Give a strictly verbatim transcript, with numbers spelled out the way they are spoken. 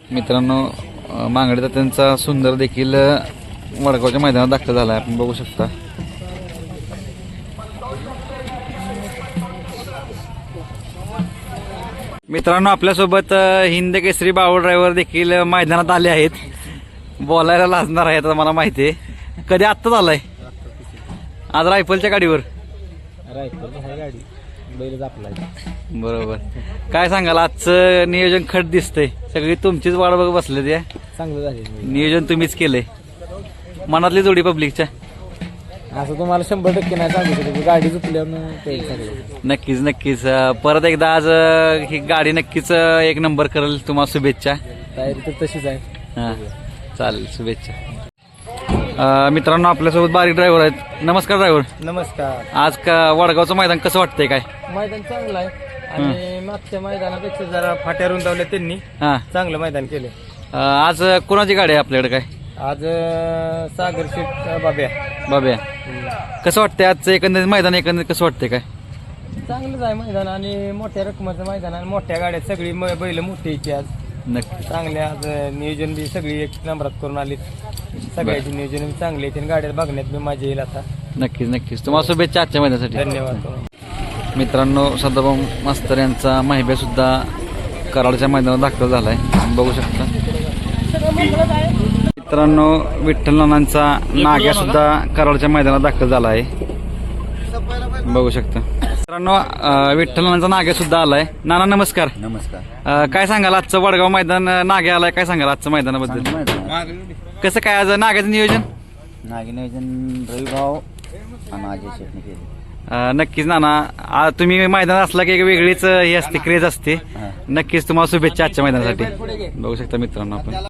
मित्रांनो मांगडे त्यांचा सुंदर देखील वडगावच्या मैदानात दाखल झाला आहे, आपण बघू शकता. मित्रांनो आपल्यासोबत हिंद केसरी बावळ ड्रायव्हर देखील मैदानात आले आहेत. बोलायला लाजणार आहे आता मला माहिती आहे. कधी आत्ताच आलाय आज रायफलच्या गाडीवर? गाडी बैल आपला. बरोबर. काय सांगाल आजचं नियोजन खट दिसतंय, सगळी तुमचीच वाट बघ बसले ते. चांगलं झाले नियोजन तुम्हीच केलंय, मनातली जोडी पब्लिकच्या. असं तुम्हाला शंभर टक्के नाही सांगू शकतो, गाडी चुकल्यावर. नक्कीच नक्कीच परत एकदा आज ही गाडी नक्कीच एक नंबर करेल. तुम्हाला शुभेच्छा. तयारी तर तशीच आहे. हां चालेल, शुभेच्छा. मित्रांनो आपल्यासोबत बारीक ड्रायव्हर आहेत. नमस्कार ड्रायव्हर. नमस्कार. आज का वडगावचं मैदान कसं वाटतंय? काय मैदान चांगलं आहे आणि मागच्या मैदानापेक्षा जरा फाट्या रुंदावल्या त्यांनी. हां चांगलं मैदान केले. आज कोणाची गाडी आहे आपल्याकडे? काय आज सागर शेठ बाब्या. बाब्या. कसं वाटतंय आजचं एकंदरीत मैदान? एकंदरीत कसं वाटतंय? काय चांगलंच आहे मैदान आणि मोठ्या रकमाचं मैदान आणि मोठ्या गाड्या सगळी बैल मोठी यायची आज. नक्की चांगले आज नियोजन बी सगळी एक नंबरात करून आली. सगळ्याची नियोजन चांगले आहेत. गाड्या बघण्यात बी मजा येईल आता. नक्कीच नक्कीच. तुम्हाला शुभेच्छा आजच्या मैदानासाठी. धन्यवाद. मित्रांनो सदाभाऊ मास्तर यांचा माहिबे सुद्धा कराडच्या मैदानात दाखल झालाय, बघू शकता. मित्रांनो विठ्ठल नानांचा नाग्या सुद्धा कराडच्या मैदानात दाखल झाला आहे, बघू शकता. मित्रांनो विठ्ठल नानांचा नाग्या सुद्धा आलाय. नाना नमस्कार. नमस्कार. काय सांगाल आजचं वडगाव मैदान नाग्या आलाय, काय सांगाल आजचं मैदानाबद्दल? कसं काय आज नाग्याचं नियोजन? नागी नियोजन रविभाव आणि अजय शेटने केले. नक्कीच नाना, तुम्ही मैदान असला की एक वेगळीच हे असते, क्रेज असते. नक्कीच तुम्हाला शुभेच्छा आजच्या मैदानासाठी, बघू शकता मित्रांनो आपण.